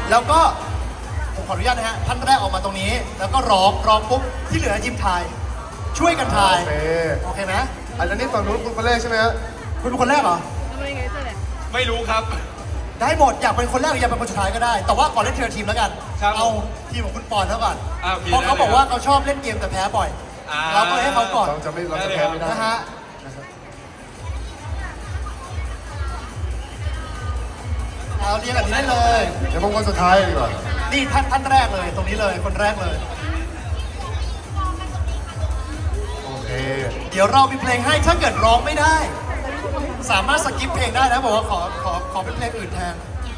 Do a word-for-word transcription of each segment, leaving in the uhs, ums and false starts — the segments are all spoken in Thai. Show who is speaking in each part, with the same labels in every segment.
Speaker 1: แล้วก็ผมขออนุญาตนะฮะท่านแรกออกมาตรงนี้ แล้วก็ร้องร้องปุ๊บที่เหลือทีมไทยช่วยกันทาย
Speaker 2: โอเค
Speaker 1: โอเคไหม
Speaker 2: อันนี้ฝั่งนู้นคุณคนแรกใช่ไหมฮะ
Speaker 1: คุณเป็นคนแรกเหรอ
Speaker 3: ไม่รู้ครับ
Speaker 1: ได้หมดอยากเป็นคนแรกหรืออยากเป็นคนสุดท้ายก็ได้ แต่ว่าก่อนเล่นทีละทีมแล้วกัน
Speaker 3: ครับ
Speaker 1: เอาทีมของคุณปอนเขาก่อน
Speaker 3: อ่าโอเค
Speaker 1: เพราะเขา
Speaker 3: ได้เลย
Speaker 1: บอกว่าเขาชอบเล่นเกมแต่แพ้บ่อย
Speaker 3: อ่า
Speaker 1: เราก็เลยให้เขาก่อน
Speaker 2: เราจะไม่เราจะแพ้ไม่ได้
Speaker 1: นะฮะเอาเรียงแบบนี้ได้เลย
Speaker 2: เดี๋ยวผมคนสุดท้ายดีกว่า
Speaker 1: นี่ท่านท่านแรกเลยตรงนี้เลยคนแรกเลย
Speaker 2: โอเค
Speaker 1: เดี๋ยวเรามีเพลงให้ถ้าเกิดร้องไม่ได้ สามารถสกิปเพลงได้นะบอกว่าขอขอขอเป็นเพลงอื่นแทน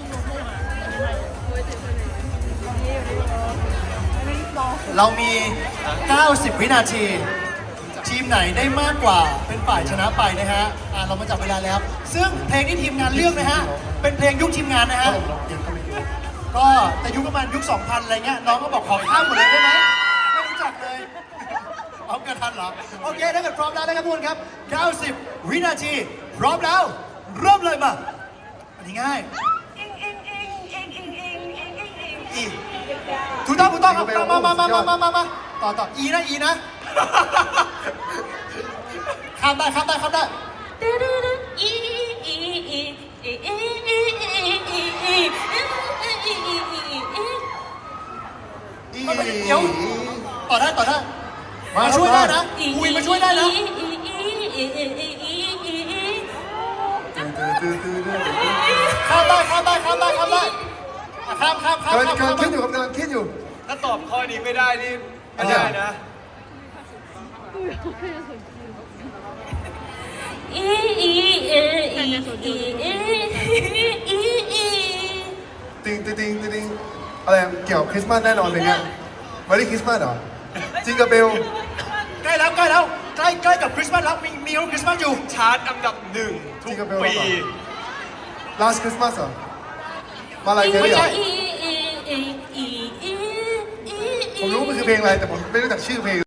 Speaker 1: เรามี เก้าสิบ วินาที ทีมไหนได้มากกว่าเป็นฝ่ายชนะไปนะฮะอ่าเรามาจับเวลาแล้ว ซึ่งเพลงที่ทีมงานเลือกนะฮะเป็นเพลงยุคทีมงานนะฮะก็แต่ยุคประมาณยุค สองพัน อะไรเงี้ยน้องก็บอกขอข้ามหมดเลยได้ไหมไม่รู้จักเลย เอากระทันเหรอ โอเคถ้าเกิดพร้อมแล้วนะครับทุกคนครับ เก้าสิบ วินาที พร้อมแล้ว เริ่มเลยมาอันนี้ง่ายอีถูกต้องถูกต้องครับมามามามามามามาต่อต่ออีนะอีนะข้ามได้ข้ามได้ข้ามได้มันเป็นเดี๋ยวต่อได้ต่อได้มาช่วยได้นะคุยมาช่วยได้นะข้ามได้ข้ามได้ข้ามได้ข้ามได้ข้ามข้ามข้าม
Speaker 2: กำลัง
Speaker 1: ข้าม
Speaker 2: กำลังคิดอยู่ครับกำลังคิดอยู่
Speaker 3: ถ้าตอบข้อนี้ไม่ได้นี่ไม่ได้นะ
Speaker 2: ติงติงติงติงอะไรเกี่ยวกับคริสต์มาสแน่นอนเลยเนี่ยวันนี้คริสต์มาสเหรอจิงกับเบล
Speaker 1: ใกล้แล้วใกล้แล้วใกล้ใกล้กับคริสต์มาสแล้วมีมีคริสต์มาสอยู่
Speaker 3: ชาร์ตอันดับหนึ่งทุกปี
Speaker 2: last Christmas เหรอมาลายแครี่เหรอผมรู้มันคือเพลงอะไรแต่ผมไม่รู้จักชื่อเพลง